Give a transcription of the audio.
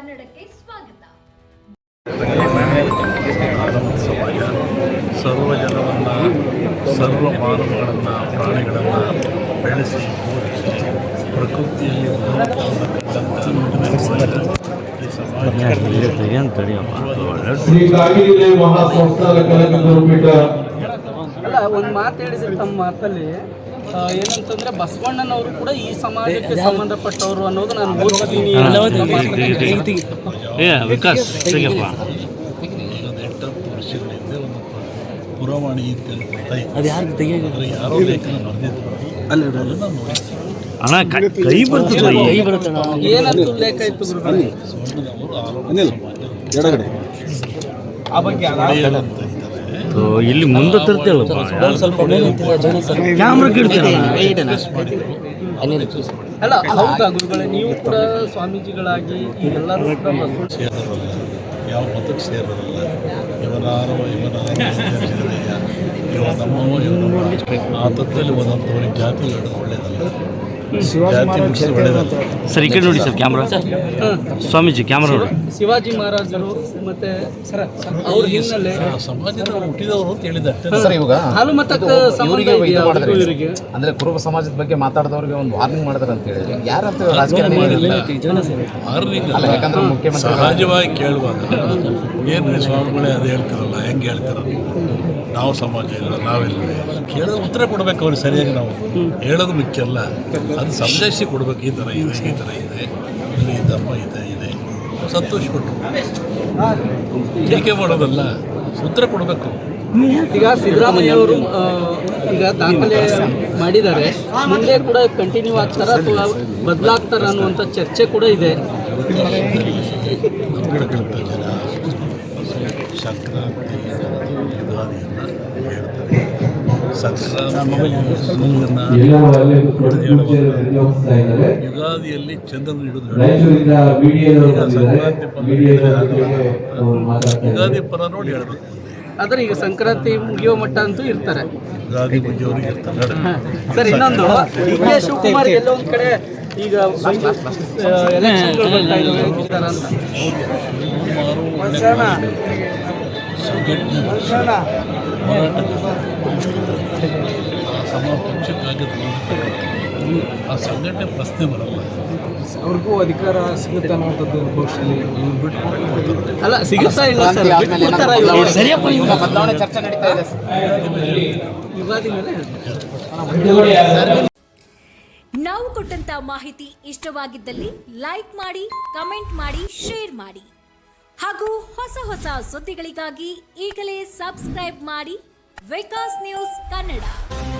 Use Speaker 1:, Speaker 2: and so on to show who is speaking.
Speaker 1: ಕನ್ನಡಕ್ಕೆ ಸ್ವಾಗತ.
Speaker 2: ಸಮಾಜ ಸರ್ವ ಜನವನ್ನು ಸರ್ವ ಮಾನವಗಳನ್ನು ಪ್ರಾಣಿಗಳನ್ನು ಬೆಳೆಸಿ ಓದಿಸಿ ಪ್ರಕೃತಿಯಲ್ಲಿ
Speaker 3: ಅಲ್ಲ, ಒಂದು ಮಾತು ಹೇಳಿದ್ರೆ ತಮ್ಮ ಮಾತಲ್ಲಿ ಏನಂತಂದ್ರೆ ಬಸವಣ್ಣನವರು ಕೂಡ ಈ ಸಮಾಜಕ್ಕೆ ಸಂಬಂಧಪಟ್ಟವರು ಅನ್ನೋದು ನಾನು ಓದ್ತೀನಿ.
Speaker 2: ವಿಕಾಸ್ 8 ವರ್ಷಗಳಿಂದ ಒಂದು ಪುರವಾಣಿ ಯಾರೋ ಲೇಖನ ಬರೆದಿದ್ರು.
Speaker 3: ಕೈ ಬರುತ್ತೆ. ಏನಂತ ಲೇಖ ಇತ್ತು ಗುರುಗಳೇ? ಆ ಬಗ್ಗೆ
Speaker 4: ಇಲ್ಲಿ ಮುಂದೆ ತರ್ತಿಲ್ಲ ಸ್ವಲ್ಪ ಕ್ಯಾಮ್ರಾ ಕಿಡ್ತೀರ.
Speaker 3: ಅಲ್ಲ, ಹೌದಾ ಗುರುಗಳೇ, ನೀವು ಕೂಡ ಸ್ವಾಮೀಜಿಗಳಾಗಿ ಎಲ್ಲರೂ
Speaker 2: ಯಾವ ಮತಕ್ಕೆ ಸೇರೋದಲ್ಲ. ಇವನಾರೋ ಇವ ನಮ್ಮವ ಆ ತತ್ವದಲ್ಲಿ ಒಂದೊಂದು ಜಾತಿ ಹೇಳೋದು ಒಳ್ಳೆಯದಲ್ಲ. ಜಾತಿ ಮುಗಿಸಿ ಒಳ್ಳೆಯದಲ್ಲ.
Speaker 4: ಸರ್ ಈ ಕಡೆ ನೋಡಿ ಸರ್ ಕ್ಯಾಮ್ರಾ. ಸ್ವಾಮೀಜಿ ಕ್ಯಾಮ್ರಾ ನೋಡಿ.
Speaker 3: ಶಿವಾಜಿ ಮಹಾರಾಜರು ಮತ್ತೆ ಅವ್ರ ಹಿನ್ನೆಲೆ
Speaker 2: ಸಮಾಜದ ಹುಟ್ಟಿದವರು ಅಂತ ಹೇಳಿದ
Speaker 5: ಸರ್. ಇವಾಗ
Speaker 3: ಹಾಲುಮತಕ್ಕೆ
Speaker 5: ಇವರಿಗೆ ಅಂದ್ರೆ ಕುರುಬ ಸಮಾಜದ ಬಗ್ಗೆ ಮಾತಾಡಿದವ್ರಿಗೆ ಒಂದು ವಾರ್ನಿಂಗ್ ಮಾಡಿದಾರೆ ಅಂತ ಹೇಳಿದ್ರೆ ಯಾರಂತ ರಾಜಕಾರಣಿ ಯಾಕಂದ್ರೆ ಮುಖ್ಯಮಂತ್ರಿ
Speaker 2: ಸಹಜವಾಗಿ ಕೇಳುವಾಗ ಏನು ಸ್ವಾಮಿಗಳೇ ಅದು ಹೇಳ್ತಾರಲ್ಲ, ಹೆಂಗೆ ಹೇಳ್ತಾರಲ್ಲ, ನಾವು ಸಮಾಜ ಇಲ್ಲ ನಾವೆಲ್ಲ ಕೇಳೋದು ಉತ್ತರ ಕೊಡ್ಬೇಕು ಅವ್ರಿಗೆ ಸರಿಯಾಗಿ. ನಾವು ಹೇಳೋದು ಮುಖ್ಯ ಅಲ್ಲ, ಅದು ಸಂದೇಶ ಕೊಡ್ಬೇಕು. ಈ ಥರ ಇದೆ, ಈ ಥರ ಇದೆ, ಇಲ್ಲಿ ದಮ್ಮ ಇದೆ ಸಂತೋಷಪಟ್ಟು ಟೀಕೆ ಮಾಡೋದಲ್ಲ, ಉತ್ತರ ಕೊಡಬೇಕು.
Speaker 3: ಈಗ ಸಿದ್ದರಾಮಯ್ಯ ಅವರು ಈಗ ದಾಖಲೆ ಮಾಡಿದ್ದಾರೆ, ಮುಂದೆ ಕೂಡ ಕಂಟಿನ್ಯೂ ಆಗ್ತಾರ ಅಥವಾ ಬದಲಾಗ್ತಾರ ಅನ್ನುವಂಥ ಚರ್ಚೆ ಕೂಡ ಇದೆ.
Speaker 2: ನಮ್ಮ ಕಡೆ ಜನ ಸಂಕ್ರಾಂತಿ ಯುಗಾದಿಯನ್ನು ಹೇಳ್ತಾರೆ. ಯುಗಾದಿಯಲ್ಲಿ ಚಂದ್ರನ ಹಿಡಿದು ಯುಗಾದಿ ಪರ ನೋಡಿ ಹೇಳ್ಬೇಕು.
Speaker 3: ಆದರೆ ಈಗ ಸಂಕ್ರಾಂತಿ ಮುಗಿಯೋ ಮಟ್ಟ ಅಂತೂ ಇರ್ತಾರೆ.
Speaker 2: ಯುಗಾದಿ ಮುಗಿಯೋರಿಗೆ ಇರ್ತಾರೆ.
Speaker 3: ಸರ್, ಇನ್ನೊಂದು ಡಿ.ಕೆ. ಶಿವಕುಮಾರ್ ಎಲ್ಲೋ ಒಂದು ಕಡೆ ಈಗ ಎಲೆಕ್ಷನ್ಗಳು ಬರ್ತಾ ಇದ್ದಾವೆ ಅಂತ.
Speaker 2: ಆ ಸಂಘಟನೆ ಪ್ರಶ್ನೆ ಬರಲ್ಲ.
Speaker 3: ಅವ್ರಿಗೂ ಅಧಿಕಾರ ಸಿಗುತ್ತೆ ಅನ್ನೋಂಥದ್ದು ಅಲ್ಲ, ಸಿಗುತ್ತಾ ಇಲ್ಲ ಸರ್?
Speaker 5: ಬದಲಾವಣೆ ಚರ್ಚೆ ನಡೀತಾ ಇದೆ.
Speaker 3: ಯುಗಾದಿ ಮೇಲೆ
Speaker 1: ನಾವು ಕೊಟ್ಟಂತ ಮಾಹಿತಿ ಇಷ್ಟವಾಗಿದ್ದಲ್ಲಿ ಲೈಕ್ ಮಾಡಿ, ಕಮೆಂಟ್ ಮಾಡಿ, ಶೇರ್ ಮಾಡಿ ಹಾಗೂ ಹೊಸ ಸುದ್ದಿಗಳಿಗಾಗಿ ಈಗಲೇ ಸಬ್ಸ್ಕ್ರೈಬ್ ಮಾಡಿ ವಿಕಾಸ್ ನ್ಯೂಸ್ ಕನ್ನಡ.